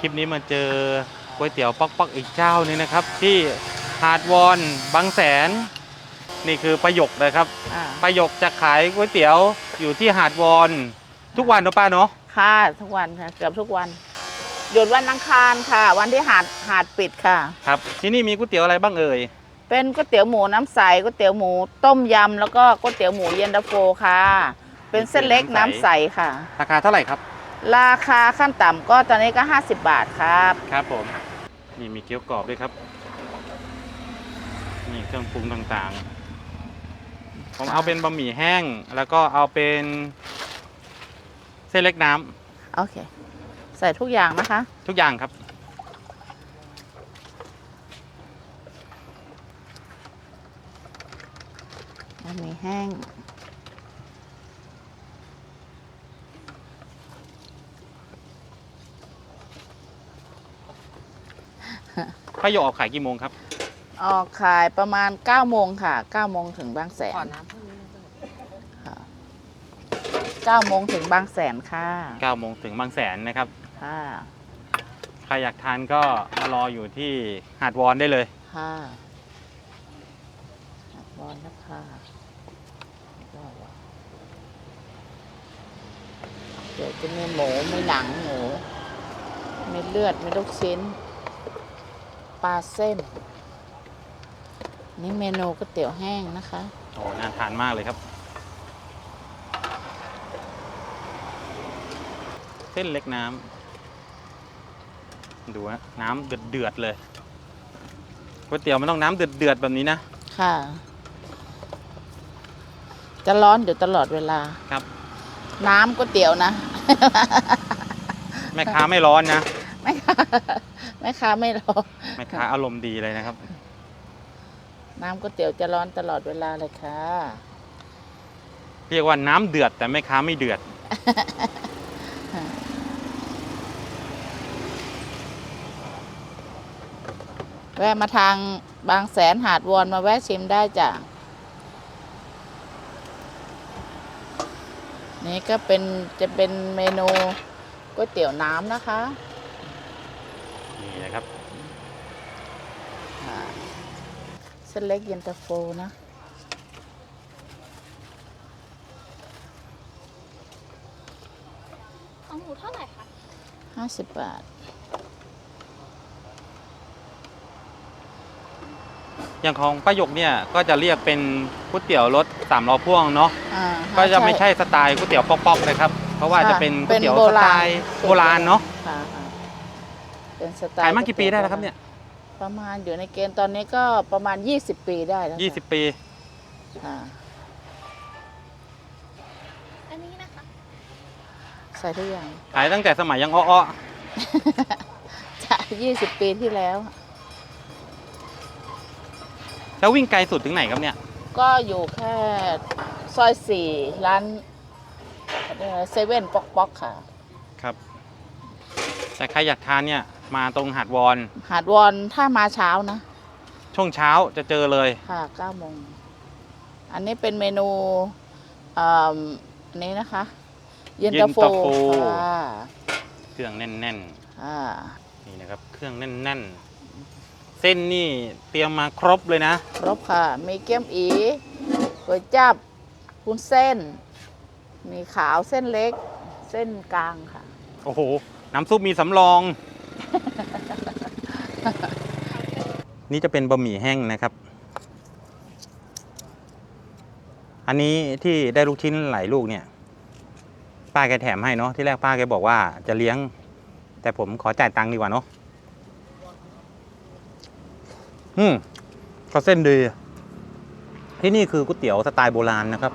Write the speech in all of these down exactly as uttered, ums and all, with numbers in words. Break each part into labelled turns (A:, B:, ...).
A: ลิปนี้มาเจอก๋วยเตี๋ยวป๊อกๆอีกเจ้านึงนะครับที่หาดวอนบางแสนนี่คือประโยคเลยครับประโยคจะขายก๋วยเตี๋ยวอยู่ที่หาดวอนทุกวันเนาะป้าเนาะ
B: ค่ะทุกวันค่ะเกือบทุกวันหยุดวันอังคารค่ะวันที่หาดหาดปิดค่ะ
A: ครับที่นี่มีก๋วยเตี๋ยวอะไรบ้างเอ่ย
B: เป็นก๋วยเตี๋ยวหมูน้ำใสก๋วยเตี๋ยวหมูต้มยำแล้วก็ก๋วยเตี๋ยวหมูเย็นตาโฟค่ะเป็นเส้นเล็กน้ำใสค่ะ
A: ราคาเท่าไหร่ครับ
B: ราคาขั้นต่ำก็ตอนนี้ก็ห้าสิบบาทครับ
A: ครับผมนี่มีเกี๊ยวกรอบด้วยครับนี่เครื่องปรุงต่างๆผมเอาเป็นบะหมี่แห้งแล้วก็เอาเป็นเส้นเล็กน้
B: ำโอเคใส่ทุกอย่างนะคะ
A: ทุกอย่างครับ
B: บะหมี่แห้ง
A: ป้าโยออกขายกี่โมงครับ
B: ออกขายประมาณเก้าโมงค่ะเก้าโมงถึงบางแสนค่ะเก้าโมงถึงบางแสนค่ะ
A: เก้าโมงถึงบางแสนนะครับ
B: ค่ะ
A: ใครอยากทานก็มารออยู่ที่หาดวอนได้เลย
B: ค่ะหาดวอนนะคะเดี๋ยวจะมีหมูมีหนังหมูมีเลือดมีลูกชิ้นปลาเส้นนี่เมนูก๋วยเตี๋ยวแห้งนะคะ
A: โอ้น่าทานมากเลยครับเส้นเล็กน้ำดูฮะน้ำเดือดเดือดเลยก๋วยเตี๋ยวมันต้องน้ำเดือดเดือดแบบนี้นะ
B: ค่ะจะร้อนอยู่ตลอดเวลา
A: ครับ
B: น้ำก๋วยเตี๋ยวนะ
A: แม่ค้าไม่ร้อนนะ
B: แม่ค้าแม่ค้าไม่ร้อน
A: แม่ค้าอารมณ์ดีเลยนะครับ
B: น้ำก๋วยเตี๋ยวจะร้อนตลอดเวลาเลยค่ะ
A: เรียกว่าน้ำเดือดแต่แม่ค้าไม่เดือด
B: แวะมาทางบางแสนหาดวอนมาแวะชิมได้จ้ะนี่ก็เป็นจะเป็นเมนูก๋วยเตี๋ยวน้ำนะคะ
A: นี่นะครับ
B: เส้นเล็กเย็นตาโฟนะ
C: ของหมูเท่าไหร่คะ
B: ห้าสิบบาท
A: อย่างของป้าหยกเนี่ยก็จะเรียกเป็นก๋วยเตี๋ยวรสสามล้อพ่วงเนาะก็จะไม่ใช่สไตล์ก๋วยเตี๋ยวป๊อกๆเลยครับเพราะว่าจะเป็นก๋วยเตี๋ยวสไตล์โบราณเนาะ
B: เป็นสไตล์
A: ขายมากี่ปีได้แล้วครับเนี่ย
B: ประมาณอยู่ในเกณฑ์ตอนนี้ก็ประมาณยี่สิบปีได้แล้ว
A: ยี่สิบปี
C: อันนี้นะคะ
B: ใส่ทุกอย่าง
A: ขายตั้งแต่สมัยยังอ้อ
B: ๆจะยี่สิบปีที่แล้ว
A: แล้ววิ่งไกลสุดถึงไหนครับเนี่ย
B: ก็อยู่แค่ซอยสี่ร้านเซเว่นป๊อกป๊อกค่ะ
A: ครับแต่ใครอยากทานเนี่ยมาตรงหาดวอน
B: หาดวอนถ้ามาเช้านะ
A: ช่วงเช้าจะเจอเลย
B: ค่ะเก้าโมงอันนี้เป็นเมนูอันนี้นะคะเย็นตาโฟ
A: เครื่องแน่น
B: ๆ
A: นี่นะครับเครื่องแน่นๆเส้นนี่เตรียมมาครบเลยนะ
B: ครบค่ะมีเกี๊ยมอีก๋วยจั๊บวุ้นเส้นมีขาวเส้นเล็กเส้นกลางค่ะ
A: โอ้โหน้ำซุปมีสำรอง นี่จะเป็นบะหมี่แห้งนะครับอันนี้ที่ได้ลูกชิ้นหลายลูกเนี่ยป้าแกแถมให้เนาะที่แรกป้าแกบอกว่าจะเลี้ยงแต่ผมขอจ่ายตังค์ดีกว่าเนาะอืมก็เส้นดีที่นี่คือก๋วยเตี๋ยวสไตล์โบราณนะครับ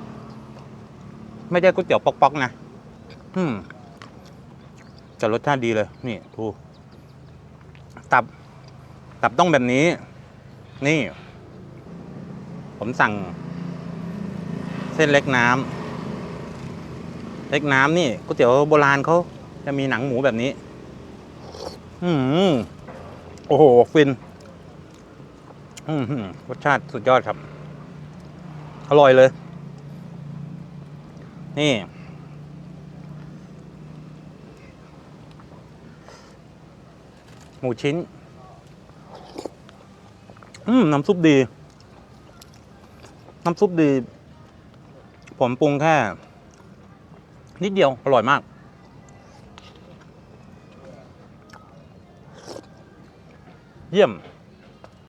A: ไม่ใช่ก๋วยเตี๋ยวป๊อกๆนะอืมแต่รสชาติดีเลยนี่ดูตับตับต้องแบบนี้นี่ผมสั่งเส้นเล็กน้ำเล็กน้ำนี่ก๋วยเตี๋ยวโบราณเขาจะมีหนังหมูแบบนี้อืมโอ้โหฟินอืมรสชาติสุดยอดครับอร่อยเลยนี่หมูชิ้น อืม น้ำซุปดี น้ำซุปดี ผมปรุงแค่ นิดเดียว อร่อยมาก เยี่ยม